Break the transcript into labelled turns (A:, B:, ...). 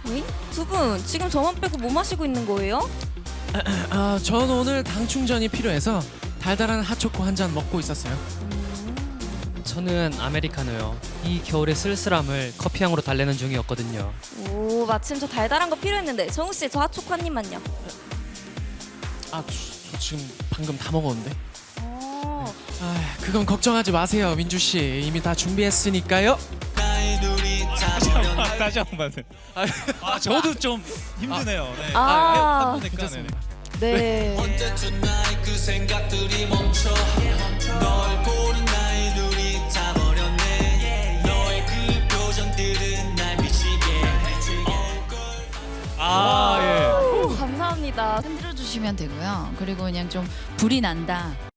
A: 두 분 지금 저만 빼고 뭐 마시고 있는 거예요?
B: 전 오늘 당 충전이 필요해서 달달한 핫초코 한 잔 먹고 있었어요.
C: 저는 아메리카노요. 이 겨울의 쓸쓸함을 커피향으로 달래는 중이었거든요.
A: 오, 마침 저 달달한 거 필요했는데. 정우 씨, 저 핫초코 한 입만요.
B: 저 지금 방금 다 먹었는데.
A: 어.
B: 그건 걱정하지 마세요, 민주 씨. 이미 다 준비했으니까요.
D: 다시 한 번. 저도 좀 힘드네요. 네.
A: 아,
B: 괜찮습니다.
A: 네.
E: 언제쯤 나의 그 생각들이 멈춰 널 보는 나의 눈이 다 버렸네 너의 그 표정들은 날 미치게
D: 예.
A: 오, 감사합니다.
F: 흔들어 주시면 되고요. 그리고 그냥 좀 불이 난다.